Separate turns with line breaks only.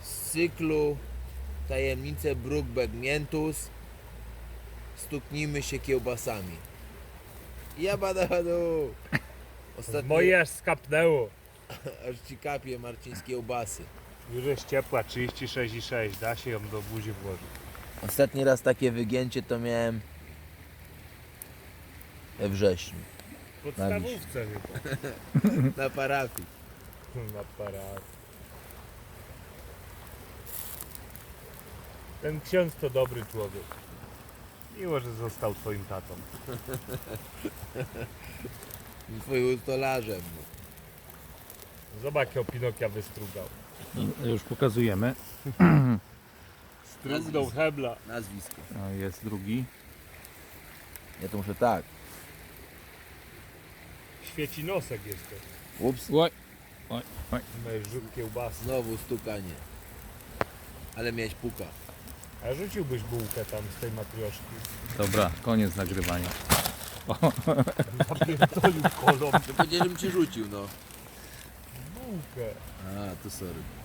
z cyklu Tajemnice Brookback Miętus. Stuknijmy się kiełbasami. Jabadadu! Ostatnio
Moje aż skapnęło.
aż ci kapie Marcin z kiełbasy.
Już jest ciepła, 36,6. Da się ją do buzi włożyć.
Ostatni raz takie wygięcie to miałem we wrześniu.
W podstawówce chyba.
Na parafii.
Na parad. Ten ksiądz to dobry człowiek. Miło, że został twoim tatą.
Twoim stolarzem.
Zobacz, jakiego Pinokia wystrugał.
Już pokazujemy.
Strugnął hebla.
Nazwisko.
O, jest drugi.
Ja to muszę tak.
Świeci nosek jeszcze.
Ups.
Oj, oj, oj.
Masz rzut kiełbasy.
Znowu stukanie. Ale miałeś puka.
A rzuciłbyś bułkę tam z tej matrioszki.
Dobra, koniec nagrywania.
Napierdolił kolą
To powiedziałem, żebym ci rzucił, no.
bułkę.
A, to sorry.